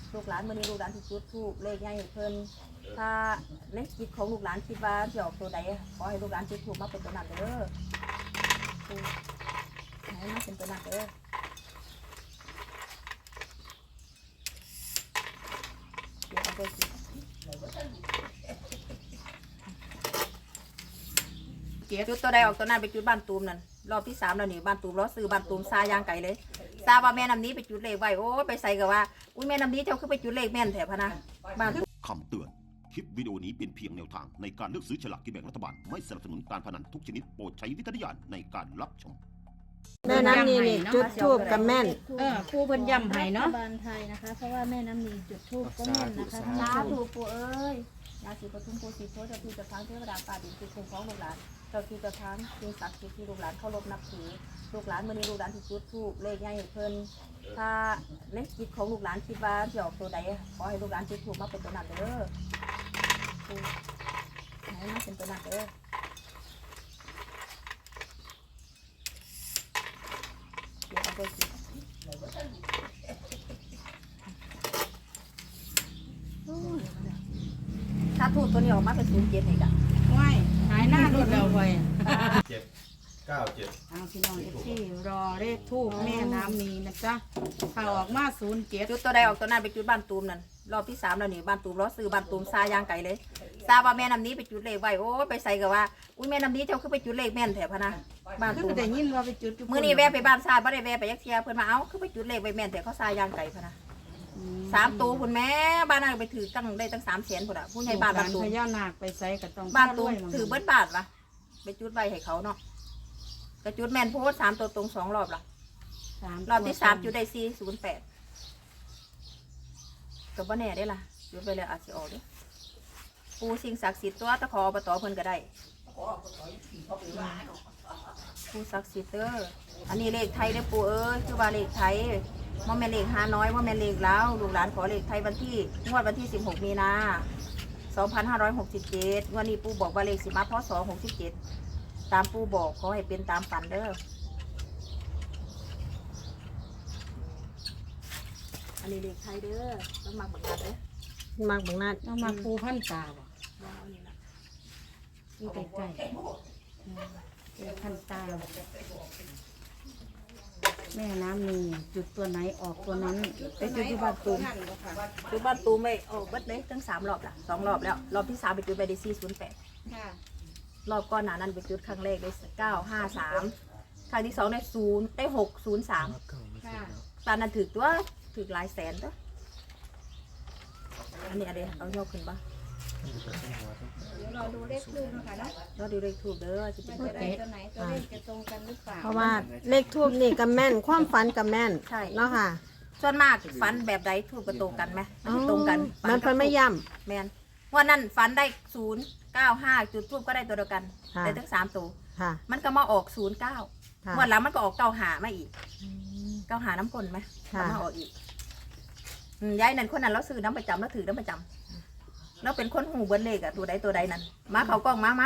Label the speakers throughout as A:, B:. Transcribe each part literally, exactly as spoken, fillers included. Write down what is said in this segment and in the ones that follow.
A: ลูกหลานมื้อนี้ลูกหลานที่จุดธูปเลขใหญ่ให้เพิ่นถ้าในจิตของลูกหลานคิดว่าสิออกตัวใดขอให้ลูกหลานจุดธูปมาเป็นตัวนั้นเด้อให้มาเป็นตัวนั้นเด้อเดี๋ยวเอาไปสิจุดตัวใดออกตัวนั้นไปจุดบ้านตูมนั่นรอบที่สามแล้วนี่บ้านตูมล้อซื้อบ้านตูมซายางไก่เลยซาว่าแม่น้ำนี้ไปจุดเลขไว้โอ้ไปใส่กับว่าอุ้ยแม่น้ำนี้เจ้าคือไปจุดเลขแม่นแถบพะนะบ้าน
B: คำเตือนคลิปวิดีโอนี้เป็นเพียงแนวทางในการเลือกซื้อฉลากกินแบ่งรัฐบาลไม่สนับสนุนการพนันทุกชนิดโปรดใช้วิจารณญาณในการรับชม
C: แม่น้ำนีนี่จุดทูบกับแม่น
D: เออครูเพิ่นย้ำให้เนาะ
E: รัฐบาลไทยนะคะเพราะว่าแม่น้ำนีจุดธูปก็แม่นนะคะท่าน
A: สา
E: ผู้ชม
A: ธุปู่เอ้ยยาสีปทุมปูสีโพธิ์เจ้าที่เจ้าทางเทวดาป่าดินคือคุ้มครองลูกหลานเจ้าที่เจ้าทางสิ่งศักดิ์สิทธิ์ที่ลูกหลานเคารพนับถือลูกหลานมื้อนี้ลูกหลานที่จุดธูปเลขใหญ่ให้เพิ่นถ้าในจิตของลูกหลานคิดว่าสิออกตัวใดขอให้ลูกหลานจุดธูปมาเป็นตัวนั้นเด้อให้มาเป็นตัวนั้นเด้อเดี๋ยวเอาไปสิถ้าทูบตัวนี้ออกมาเป็นศูนย์เจ็ดให้กัน
D: ว้ายหายหน้าดุดแล้วเว้ย
F: เจ็ดเก้าเจ็ด
D: เอาพี่น้องเอฟซีรอเลขทูบแม่น้ำนีนะจ๊ะถ้าออกมาศูนย์เจ็ด
A: จุดตัวใดออกตัวนั้นไปจุดบ้านตูมนั่นรอบที่สามแล้วนี่บ้านตูมล้อซื้อบ้านตูมซายางไก่เลยซาว่าแม่น้ำนี้ไปจุดเลขไว้โอ้ไปใส่กับว่าอุ้ยแม่น้ำนี้เจ้าคือไปจุดเลขแม่นแถบพะนะบ้าน
D: คือ
A: ตูม
D: ได้ยินว่าไปจุด
A: มื้อนี้แวะไปบ้านซาบ่ได้แวะไปยักเทียเพิ่นมาเอ้าคือไปจุดเลขไว้แม่นแต่เขาซายางไก่พะนะสามตัวคุณแม่บ้านนั้นไปถือตั้งได้ตั้งสามแสนพุ่นอ่ะผู้ใหญ่บ้านบ้านตูม
D: พญานาคไปใส่ก็ต้อง
A: บ้านตูมถือเบิดบาทวะไปจุดไว้ให้เขาเนาะกระจุดแม่นโพสสามตัวตรงสองรอบละรอบที่สามจุดได้สี่ศูนย์แปดกับว่าแน่ได้ล่ะจุดไปเลยอาจจะออกด้วยปูสิ่งศักดิ์สิทธิ์ตัวตะขออบตเพิ่นก็ได้ปูศักดิ์สิทธิ์เด้ออันนี้เลขไทยได้อปูเอ้ยคือว่าเลขไทยว่าแม่เลขห้าน้อยว่าแม่เลขแล้วลูกหลานขอเลขไทยวันที่งวดวันที่สิบหกมีนาสองพันห้าร้อยหกสิบเจ็ดวันนี้ปูบอกว่าเลขสิมาพศหกสิบเจ็ดตามปูบอกขอให้เป็นตามฝันเด้ออันนี้เลขไทยเด้อต้องมาบังคับเด้อ
C: มักบังนัด
D: ต้องมาปูพันตาบ่
A: ลองเอานี่ละ
D: นี่ใกล้ๆปูพันตาแม่น้ำนีจุดตัวไหนออกตัวนั้น
A: ไปจุดที่บ้านตูมจุดบ้านตูมไม่โอ้เบิดเลยตั้งสามรอบละสองรอบแล้วรอบที่สามไปจุดไปได้สี่ศูนย์แปดรอบก้อนหนานั้นไปจุดครั้งแรกได้เก้าห้าสามครั้งที่สองได้ศูนย์ได้หกศูนย์สามตอนนั้นถือตัวถือหลายแสนตัวอันนี้อะไรเอายกขึ้นปะ
E: เดี๋ยวเราดูเลขทูปนะคะเนาะ
A: เราดูเลขถูกเด้อจะเป็น
E: ตัว
A: ตัว
E: ไหน
A: ใด
E: ตัวไหนตัวเลขจะตรงกันหรือเปล่า
C: เพราะว่าเลขทูบนี่กับแม่นความฝันกับแม่น
A: ใช่
C: เนาะค่ะ
A: ส่วนมากฟันแบบใดถูกกระตรงกันไหมมันสิตรงกัน
C: มันเพิ่นไม่ย่
A: แมนวันนั้นฟันได้ศูนย์เก้าห้าจุดทูบก็ได้ตัวเดียวกัน
C: ค่ะ
A: ได้ทั้งสามตัว
C: ำค่ะ
A: มันก็มาออกศูนย์เก้า
C: ค่ะ
A: วันหลังมันก็ออกเก้าหามาอีกเก้าหาน้ำกลนไหม
C: ค่ะ
A: ก็มาออกอีกอืมยายนั่นคนนั้นเราซื้อน้ำประจำเราถือน้ำประจำเราเป็นคนหูเบิ้ลเลขอะตัวใดตัวใดนั่นมาเขากล้องมามา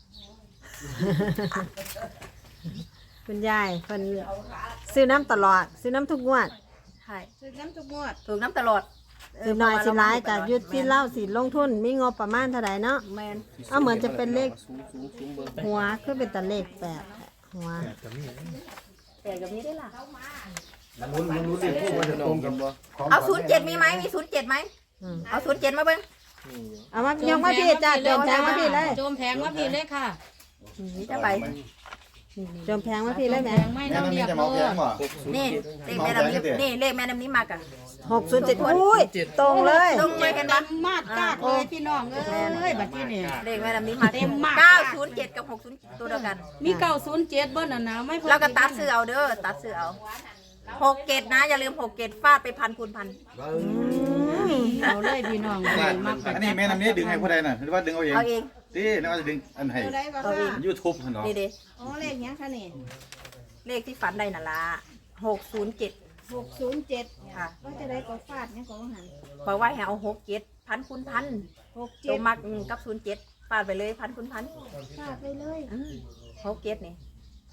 C: คุณยายเพิ่นซื้อน้ำตลอด ซื้อน้ำทุกงวด
A: ใช่
E: ซื้อน้ำทุกงวด
A: ถูกน้ำตลอดเ
C: สิน้อยสิร้ายกับยุดที่
A: เล่า
C: เล่าสิลงทุนมีงบประมาณเท่าไหร่เนาะ
A: แมน
C: เอาเหมือนจะเป็นเลขหัวคือเป็นแต่เลขแปดหัว
A: แต่กับนี้ได้ล่ะ
F: มันลุ้นมันลุ้นดิพูดว่าจะตรงกันบ่
A: เอาศูนย์เจ็ดมีไหมมีศูนย์เจ็ดไหม
C: อืม
A: เอาศูนย์เจ็ดมาเบิ้ง
C: เอามายกมาพี่จ้าโจมแพงมาพี่เลย
D: โจมแพงว่าพี่เลยค่ะ
A: นี่จะไป
C: โจมแพงมาพี่เลยแม่
D: แพงไม่
F: แม่
D: ต้อง
F: น้ำ
D: เรี
F: นี้
D: ยก
F: จะ
D: เล
F: มาแพ
D: ย
F: งบ่
A: นี่เลขแม่น้ำนี้นี่เลขแม่น้ำนี้มากอะ
C: หกศูนย์เจ็ดอุ้ยตรงเลย
A: ตรงเลยเห็นปะ
D: มากกากเลยพี่น้องเอ้ยบัดที่นี่
A: เลขแม่น้ำนี้มา
D: เต็มมาก
A: เก้าศูนย์เจ็ดกับหกศูนย์ตัวเดียวกัน
D: มีเก้าศูนย์เจ็ดเบิ้ลน่ะนะไม่พอ
A: เราก็ตัดซื้อเอาเด้อตัดซื้อเอาหกเกตนะอย่าลืมหกเกตฟาดไปพันคูณพัน
D: เอาเลยพี่น้องเลยมาก
F: อันนี้แม่น้ำนี้ดึงให้ผู้ใดน่ะหรือว่าดึงเอาเอง
A: เอาเอง
F: ดินึกว่าจะดึงอันให้
E: ตัวไหนบ้าง
A: เอาเอง
E: คะ
F: ยูทูบเนาะ
A: นี่เด้
E: อ๋อเลขเนี้ยค่ะนี่
A: เลขที่ฝันได้น่ะละหกศูนย์เจ็ด
E: หกศูนย์เจ็ด
A: ค่ะ
E: ก็จะได้ก็ฟาดเนี่ยก็หัน
A: บอกว่าให้เอาหกเจ็ดพันคูณพัน
E: หก
A: ตั
E: เจ็
A: ว
E: ด
A: มักอืมกับศูนย์เจ็ดฟาดไปเลยพันคูณพัน
E: ฟาดไปเลย
A: อืมหกเจ็ดนี่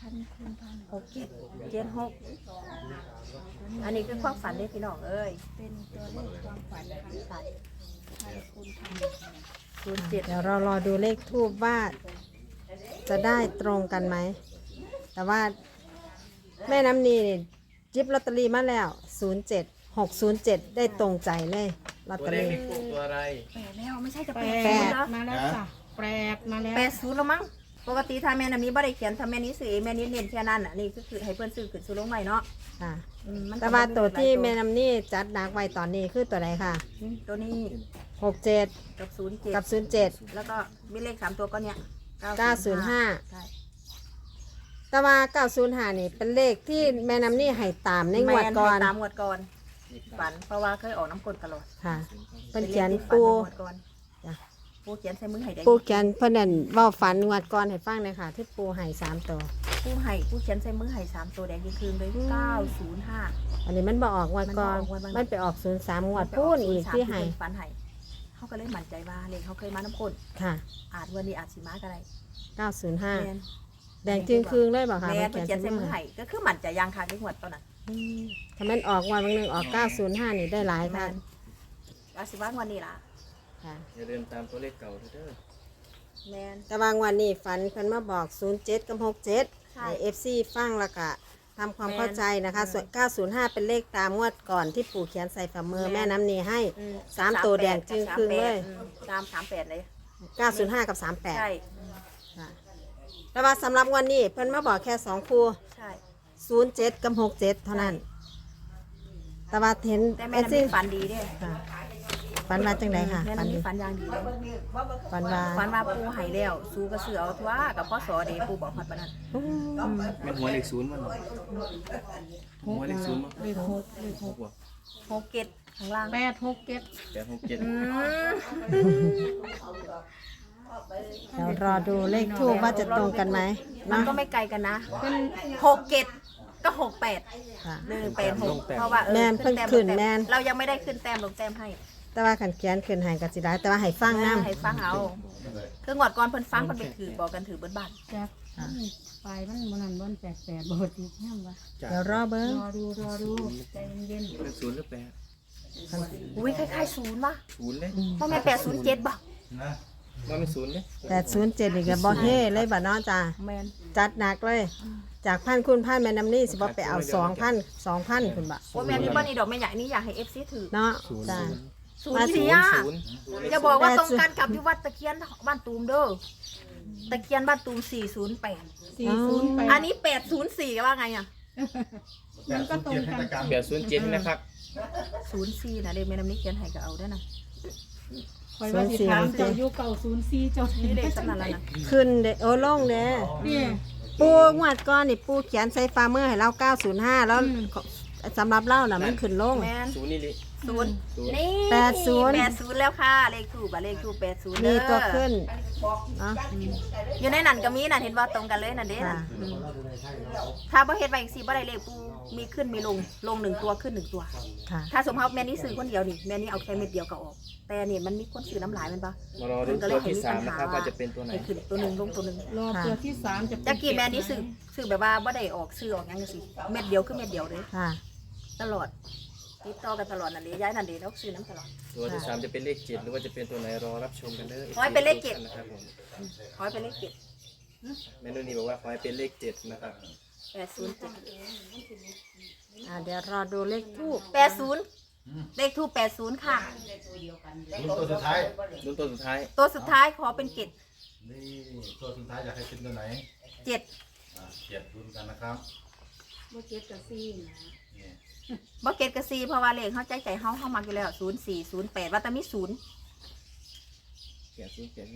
E: พันคูณพัน
A: หกเจ็ดเจ็ดหกอันนี้คือความฝันเด้พี่น้องเอ้ย
E: เป็นตัวเลขความฝันนะคะ
A: ใช่
E: พันคูณพัน
A: ศูนย์เจ็ด
C: เดี๋ยวเรารอดูเลขทูบว่าจะได้ตรงกันไหม แต่ว่าแม่น้ำนีนี่จิบลอตเตอรี่มาแล้ว ศูนย์เจ็ด หกศูนย์เจ็ด ได้ตรงใจเลยลอต
G: ตั
C: เต
G: ว
C: อ
G: เลข
C: รี่
G: มีคู่ตัวอะไร
A: แปดแล้วไม่ใช่จะ
D: แป
A: แปด
D: ด
A: แล้ว
D: มาแล้วจ้ะแปดมาแล้ว
A: แปดศูนย์แล้วมั้งปกติถ้าแม่น้ำนี้บ่ได้เขียนถ้าแม่นี้ซื้อเองแม่นี้เน้นแค่นั้นอ่ะนี่ก็คือให้เพื่อนซื้อขึ้นซื้อลงใหม่เนาะ
C: ค่ะ
A: อืมมัน
C: แต่ว่าตัวที่แม่น้ำนี่จัดหนักไว้ตอนนี้คือตัวไหนค่ะ
A: ตัวนี้
C: หกเจ็ด
A: กับศูนย์เจ็ด
C: กับศูนย์เจ็ด
A: แล้วก็มีเลขสามตัวก็เนี่ย
C: เก้าศูนย์ห้า
A: ใช่
C: แต่ว่าเก้าศูนย์ห้านี่เป็นเลขที่แม่น้ำนี่ให้ตามในงวดก่อน
A: แม่ให้ตามงวดก่อนฝันเพราะว่าเคยออกน้ำกลดตลอด
C: ค่ะเป็นเขียน
A: ป็ลขที่ฝั
C: ปู
A: ในงวดก่อน
C: จ้ะ
A: ปูเขียนใส่มือให้ได้
C: ปูเขียนเพิ่นนั่นเว่าฝันงวดก่อนให้ฟังเลยค่ะ ที่ปูให้สามตัว
A: ปูให้ปูเขียนใส่มือให้สามตัวแดงยิ่งคืนเลยเก้าศูนย์ห้า
C: อันนี้มันบอออกงวดก่อน
A: มันบ่ออกงวดมัน
C: มันไปออกศูนย์สามงวดพูนอีกที่ให้
A: ฝันให้เขาก็เลยมั่นใจว่าเลขเขาเคยมาน้ำกลด
C: ค่ะ
A: อาจวันนี้อาจสิมาก็ได้
C: เก้าศูนย์ห้า
A: แม่น
C: แดงจึงคืงเลยบอกค่ะ
A: แม่
C: มัน
A: เขียนใส่มือให้ก็คือมั่นใจยังค่ะที่งวดตอนนั้น
C: อืมถ้ามันออกงวันบางหนึงออกเก้าศูนย์ห้านี่ได้หลาย
A: แม่
C: ค่ะ
A: นอาจสิว่างวันนี้ล่ะ
C: ค่ะ
G: อย่าเดินตามตัวเลขเก่าเด้อ
A: แม่น
C: แต่บางวันนี่ฝันเพิ่นมาบอกศูนย์เจ็ดกับหกเจ็ด
A: ใช่
C: ให้เอฟซีฟังแล้วก็ทำความ
A: แม่น
C: เข้าใจนะคะส่วนเก้าศูนย์ห้าเป็นเลขตามงวดก่อนที่ปู่เขียนใส่ฝ่ามือ
A: แม่
C: แม่
A: น
C: น้ำนีให้
A: อืม
C: สามตัวแดงจึงครึ่งเลย
A: อืมตามสามแปดเลย
C: เก้าศูนย์ห้ากับสามแปด
A: ใช่
C: ค่ะแต่ว่าสำหรับวันนี้เพิ่นมาบอกแค่สองคู่
A: ใช่
C: ศูนย์เจ็ดกับหกเจ็ดเท่านั้น แต่ว่าเห็น
A: แต่แม่
C: เอ
A: น้ำ
C: ซี่
A: นี้ฝันดีเด้
C: ค่ะฝันว่าจังไดค่ะ
A: แม่
C: ฝัน
A: น้ำ
C: ดี
A: นี้ฝันอย่างดีเลย
C: ฝันว่า
A: ฝันว่าปูใหายแล้วสู้กระเสือเอาทั่วกับพ่อสอเดปูบอกฮอดปานนั้น
C: อืม
G: แม่นหัวเลขศูนย์มันหัวเลขศูนย์มั้ง
D: เลขหกเลขห
G: ห
D: ก
G: กว่ะ
A: หกเกตข้างล่าง
D: แปดหกเจ็ด
G: แปดหกเจ็ด
A: อืม
C: เดี๋ยวรอดูเลขทูบว่าจะตรงกันไหม
A: มัน
C: เนาะ
A: ก็ไม่ไกลกันนะหกเกตก็หกแปด
C: ค่ะ
A: หนึ่งแปดหกเพราะว่าเออ
C: แม่นเพิ่ง
A: แต้ม
C: ขึ้น
A: ลง
C: แม่น
A: เรายังไม่ได้ขึ้นแต้มลงแต้มให้
C: แต่ว่าขันเขียนขึ้นใหายกับสิได้แต่ว่าให้ฟังน้
A: ให้ฟังเอาคืองวดก่อนเพิ่นฟังเพิ่นไปถือบอกกันถือเบิ้นบ้าน
D: จ้ะไปมันมันนั่นมันแปดแปดบทอีกแง่วะ
C: ำเดี๋ยวรอเบิ้ง
D: รอดูรอดูใจเย็น
G: เลขศูนย์หรือแปด
A: อุ้ยคล้ายๆศูนย์ป่ะ
G: ศูนย์เลย
A: พ่อแม่แปดศูนย์เจ็ดป่ะ
F: นะ
G: ว่าเป็นศูนย์เลย
C: แต่ศูนย์เจ็ดอีกแล้วบ่เฮ่เลยบ่เนาะจ้า
A: แมน
C: จัดหนักเลย จากพันคุณพันแม่น้ำนี่สิบ่ไปเอาสองพันสองพันคุณบ่
A: โอ้แม่นี่บ้านนี่ดอกแม่ใหญ่นี่อยากให้เอฟซีถือ
C: เนาะจ้า
A: ศูนย์สี่อ่ะ
G: ศูนย์
A: อย่าบอกว่าตรงกันกับที่วัดตะเคียนบ้านตูมเด้อตะเคียนบ้านตูมสี่ศูนย์แปด
D: สี่ศูนย์แปด
A: อันนี้แปดศูนย์สี่ว่าไงอ่ะ
D: มันก็ตรงกัน
G: แปดศูนย์เจ็ดนะครับ
A: ศูนย์สี่นะเด็กแม่น้ำนี้เขียนให้ก็เอาด้วยนะ
D: คอยว่าสิถามเจ้ายุคเก่าศูนย์สี่เจ้า
A: นี่เด็กสำนักแล้วนะ
C: ขึ้นเด้อโอ้ลงเด้อ
D: นี่
C: ปูงวดก้อนนี่ปูเขียนใส่ฟาร์มเมอร์ให้เราเก้าศูนย์ห้าแล้วสำหรับเล่าน่ะมันขึ้นลง
A: แมน
G: ศูนย์นี่ลิ
A: ศูนย์
G: ศูนย์
A: นี่
C: แปดศูนย์
A: แปดศูนย์แล้วค่ะเลขถูกอะเลขถูกแปดศูนย์
C: มีตัวขึ้นเนาะ
A: อยู่ในนั่นก็มีน่ะเห็นว่าตรงกันเลยนั่นเด้น่ะ
C: ค่ะ
A: อืมถ้าบ่เฮ็ดไว้อีกสิบ่ได้เลขปูมีขึ้นมีลงลงหนึ่งตัวขึ้นหนึ่งตัว
C: ค่ะ
A: ถ้าสมมติแม่นี่ซื้อคนเดียวนี่แม่นี่เอาแค่เม็ดเดียวก็ออก แต่นี่มันมีคนซื้อน้ำหลายแมันปะ
G: มารอดูตัวที่สามนะครับว่าจะเป็นตัวไหน
A: ให้ขึ้นตัวหนึ่งลงตัวหนึ่ง
D: รอตัวที่สามจะเป็น
A: จากกี่แม่นี่ซื้อซื้อแบบว่าบ่ได้ออกซื้อออกหยังจังซี่เม็ดเดียวคือเม็ดเดียวเลย
C: ค่ะ
A: ตลอดติดต่อกันตลอดนั่นเด้ย้ายนั่นเด้แล้วซื้อน้ำตลอด
G: ตัวที่สามจะเป็นเลขเจ็ดหรือว่าจะเป็นตัวไหนรอรับชมกันเด้อ
A: ขอให้เป็นเลขเจ็ด
G: นะครับผม
A: ขอให้เป็นเลขเจ็ด
G: แม่นุ่นนี่บอกว่าขอให้เป็นเลขเจ็ดนะครับ
A: แปดศูนย์เจ็ด
C: อ่าเดี๋ยวรอดูเลขทูบ
A: แปดศูนย์เลขทูปแปดศูนย์ค่ะ
F: ลุ้นตัวสุดท้าย
G: รุ่นตัวสุดท้าย
A: ตัวสุดท้ายขอเป็นเกต
F: นี่ตัวสุดท้ายอยากให้เป็นตัวไหน
A: เจ็ด
F: อ่าเจ็ดลุ้นกันนะครับ
D: โบเจ็ดกับสี่นะ
F: นี่
A: บ่เกตกับซีเพราะว่าเลขเขาใจใจเฮาเฮามักอยู่แล้วศูนย์สี่ศูนย์แปดว่าแต่มีศูนย์
G: เขียนศูนย์เขียนนี่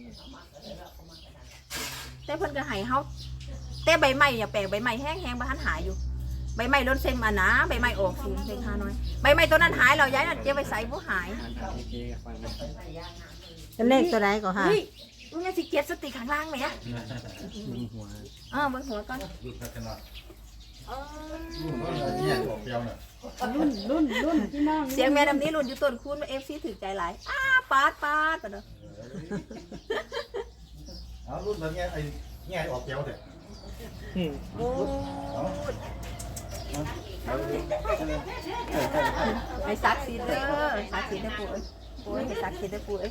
A: แต่เพิ่นก็ให้เฮาแต่ใบไม้อย่าแปลกใบไม้แห้งๆบ่ทันหายอยู่ ใบไม้ล้นเส้นมานะใบไม้ออกศูนย์เลขห้าน้อยใบไม้ตัวนั้นหายเราย้ายนั่นเก็บไว้ใส่บ่หาย
G: อ่านอ่านโอเคกับฟังนะ
C: เป็นเลขตัวใดก่อนค่ะ
A: เฮ้ยมึงอย่าสิเก็บสติข้างล่างแหม
G: มึงหัว
A: เออเบิ่งหัวก่อน
F: ลุ้นกันหน่อย
A: เออ
F: เนี่ยออกเปรี้ยวเนี่ย
D: รุ่นรุ่นรุ่นพี่น้อง
A: เสียงแม่นำนี้รุ่นอยู่ต้นคูณ เอฟ ซี ถือใจหลายอ้าปาดปาดปะเด้อ
F: เอาลุ้นแบบเนี้ยไอ้เนี่ยออกเปรี้ยวเถอะ
G: อืม
A: โอ้ไอ้ซักซีเด้อซักซีเด้อปู่เอ้ยปู่เอ้ยไอ้ซักซีเด้อปู่เอ้ย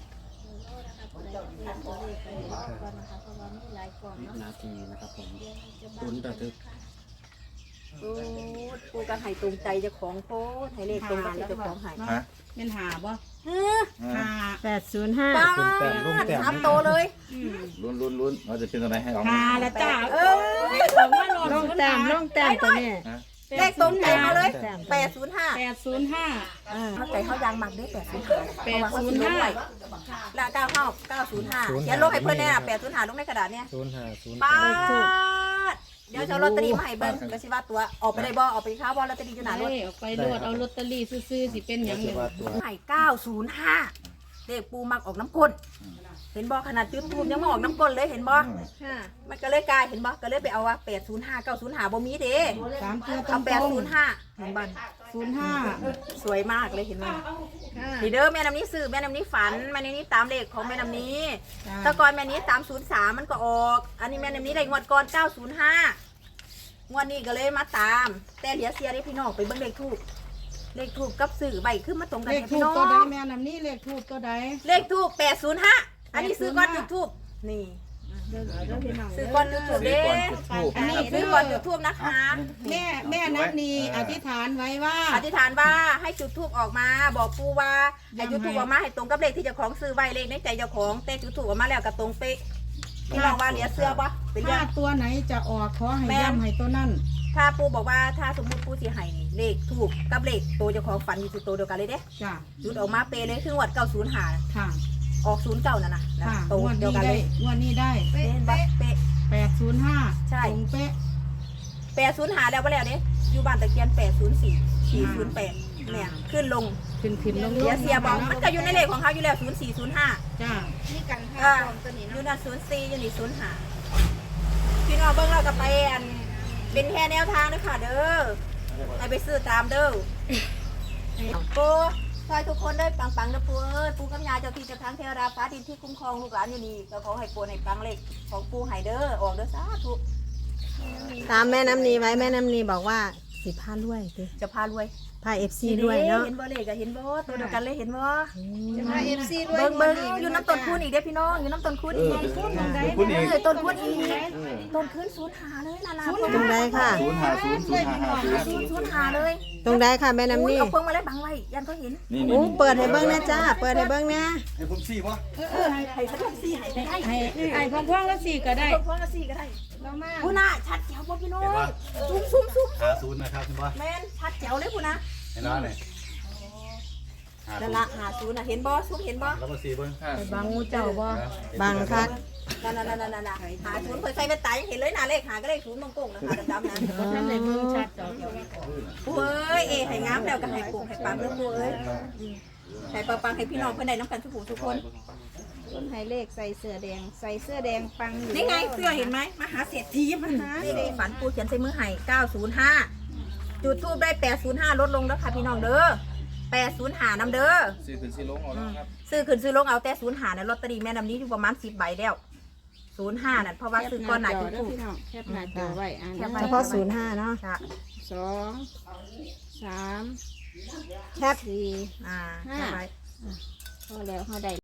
G: วินาทีนะครับผมลุ้นระทึก
A: โอ้ปู่ก็ให้ตรงใจเจ้าของโพดให้เลขตรงกับที่เจ้าของให้
F: ฮะ
D: เป็นหาบ่
A: เฮ้อ
D: หา
C: แปดศูนย์ห้า
A: ป้า
G: แต้มลงแต้ม
A: ถามโตเลย
F: ลุ้นลุ้นลุ้นเราจะเป็นตัวไหนให้ออก
D: หาละจ้า
A: เอ
D: เอ
A: อ
D: อผมว่าโหลด
C: ลงแต้มลงแต้มตัวนี้
A: เลขตรงใจมาเลย
C: แต้ม
A: แปดศูนย์ห้า
D: แปดศูนย์ห้า
A: เข้าใจเขายางหมักด้วยแปดศูนย์ห้า
D: แปดศูนย์ห้า
A: และเก้าเข้าเก้าศูนย์ห้าเขียนลงให้เพื่อนเนี่ยแปดศูนย์ห้าลงในกระดาษเนี่ย
G: ศูนย์ห้าศูนย์
A: ป้าดเดี๋ยวจะเอาลอตเตอรี่มาให้เบิ้งก็สิว่าตัวออกไปได้บ่ออกไปค้าบ่ลอตเตอรี่อยู่หน้ารถ
D: เอ้ยออกไปโหลดเอาลอตเตอรี่ซื้อๆสิเป็นหยัง
G: จะ
D: เนี่ย
G: ว่าตัว
A: ให้เก้าศูนย์ห้าเลขปูมักออกน้ำก้นเห็นบ่ขนาดจุดทูบยังมาออกน้ำก้นเลยเห็นบ่มันก็เลยกลายเห็นบ่ก็เลยไปเอาว่าแปดศูนย์ห้าเก้าศูนย์ห้าบ่มีเด้
D: สามตัวตร
A: เอา
D: ง
A: แปดศูนย์ห้าเห็นบ่
D: ศูนย์ห้า
A: สวยมากเลยเห็นไหมนี่เด้อแม่น้ำนี้ซื้อแม่น้ำนี้ฝันแม่น้ำนี้ตามเลขของแม่น้ำนี้แตะกอนแม่นี้ตามศูนย์สามมันก็ออก อันนี้แม่น้ำนี้ได้งวดก่อนเก้าศูนย์ห้างวดนี้ก็เลยมาตาม แต่เหลียเสียได้พี่น้องไปเบิ่งเลขทูบเลขทูบกับสื่อใบขึ้นมาตรงกัน
D: เลข
A: ให้
D: ทู
A: พี่
D: บ
A: น้อง
D: ตัวใดแม่นำนี่เลขทูบตัวใด
A: เลขทูบแปดศูนย์ห้าอันนี้ซื้อก่อนจุดทูบนี่ซื้อก่อนจุดทูบเด้ซื้อก่อนจุดทูบนะคะ
D: แม่แม่นับนีอธิษฐานไว้ว่า
A: อธิษฐานว่าให้จุดทูบออกมา บอกปูว่าให้จุดทูบออกมาให้ตรงกับเลขที่เจ้าของซื้อไว้เลขในใจเจ้าของแต่จุดทูบออกมาแล้วกับตรงเป๊ะพี่น้องว่าเหลียเสื้อปะเป็นยั
D: ถ้าง ตัวไหนจะออกขอให้ย้ำให้ตัวนั่น
A: ถ้าปูบอกว่าถ้าสมมติปูสีไห้นี่เลขถูกกับเลขตัวเจ้าของฝันอยู่ที่ตัวเดียวกันเลยเด้
D: จ้ะ
A: จุดออกมาเป๊ะเลยคือวัดเก้าศูนย์หา
D: ค่ะ
A: ออกศูนย์เก้านั่นน่ะนะ
D: ค่ะ
A: ตัว
D: งวด
A: เดียว
D: นี้
A: กัน
D: ได้
A: เลย
D: งวดนี้ได้
A: เป๊ะเป๊ะเป๊ะ
D: แปดศูนย์ห้า
A: ใช่
D: ตรงเป๊ะ
A: แปดศูนย์หาแล้วไปแล้วเด้อยู่บ้านตะเคียนแปดศูนย์สี่สี่ศูนย์แปดเนี่ยขึ้นลง
D: ขึ้นขึ้นลงล
A: เสีย
D: ง
A: เสียบอกมันก็อยู่ในเลขของเขาอยู่แล้วศูนย์สี่ศูนย์ห้า
D: จ้า
E: นี่กันห้า
A: อ่า
E: ฟองตัวนี้
A: อยู่
E: เนาะ
A: นั่นศูนย์สี่อยู่นี่ศูนย์ห้าพี่น้องเบิ่งเราก็ไปอันเป็นแค่แนวทางด้วยค่ะเด้อให้ไปซื้อตามเด้อปูซอยทุกคนได้ปังๆนะปูเอ้ยปูกำยาเจ้าที่เจ้าทางเทวดาฟ้าดินที่คุ้มครองลูกหลานอยู่นี่ก็ขอให้ปูให้ปังเลขของปูให้เด้อออกเด้อสาธุ
C: ตามแม่น้ำนีไว้แม่น้ำนีบอกว่าสิพาด้วยสิ
A: จะพารวย
C: พาเอฟซีด้วยเนาะ
A: เห็นบ่เลขก็เห็นบ่ตัวเดียวกันเลยเห็นบ่
E: จะมาเอฟซีด้วย
A: เบิ่งเบิ่งอยู่น้ำต้นคูณอีกเด้อพี่น้องอยู่น้ำต้นคูณอีก
F: คุณอีก
A: เออต้นคูณอีกต้นคูณศูนย์หาเลยนะนะ
C: ตรงใดค่ะ
F: ศูนย์ห้าศูนย์ศูนย์ห้าห้าศูนย์
A: ศูนย์ศูนย์หาเลย
C: ตรงใดค่ะแม่น้ำนี
A: เอาเพิ่งมาเลยบังไว้ยันก็เห็น
F: นี่
C: โอ้
F: นี่
C: เปิดให้เบิ้งนะจ้าเปิดให้เบิ้งนะ
F: ให้ผมสี่วะ
A: เออให้สักสี่ให้ได้
D: ให้ให้พ่อพ่อแล้วสี่ก็ได้
A: พร้อมกันสี่ก็ได้
E: เรามา
A: พูน่ะชัดแจ๋วบ่พี่น้องซุ่มซุ่มซุ่ม
F: ห้าศูนย์นะครับคุณพ่อ
A: แม่นชัดแจ๋วเลยพูน่ะ
F: เห็นแล้วเนี่ยห้า
A: นั่
F: ศู
A: น
F: น
A: ละ
F: ย์
A: หาศูนย์น่ะเห็นบ่ซุ่มเห็นบ่
F: แล้วก็สี่เบิ้ง
D: ไปบังงูเจ้าบ่
C: บังคัก
A: นั่นนั่นนั่นนั่นหาศูนย์เคยใส่เป็นตายยังเห็นเลยนะเลขหาก็เลขศูนย์ตรงๆนะคะดำๆนะ
D: เพราะท่านได้เบิ่งชัดดอก
A: ปูเอ้ยเอให้งามแล้วก็ให้ปลูกให้ปังเด้อปูเอ้ยให้ปังๆให้พี่น้องเพิ่นได้น้ำกันทุกผู้ทุกคน
E: ต้นไฮเลขใส่เสื้อแดง ใส่เสื้อแดงปังอยู่
A: นี่ไงเสื้อเห็นไหมมหาเศรษฐีมหานี่เลยฝันปูเขียนใส่มือให้เก้าศูนย์ห้าจุดทูบได้แปดศูนย์ห้าลดลงแล้วค่ะพี่น้องเด้อแปดศูนย์ห้านำเด้อ
G: สี่ถึงสี่ลงเอาแล้วครับ
A: ซื้อขึ้นซื้อลงเอาแต่ศูนย์ห้านะลอตเตอรี่แม่นำนี้อยู่ประมาณสิบใบแล้วศูนย์ห้านั่นเพราะว่าซื้อก้อนหนาจุดทูบ
E: พี่น้องแคปหน้าจอไว้อ่าน
C: เฉพาะศูนย์ห้าเนาะ
A: ค่ะ
E: สองสาม
C: แคป
E: สี่
A: อ่า
E: ห้า
A: ใช่ไหม
E: พอแล้วเขาได้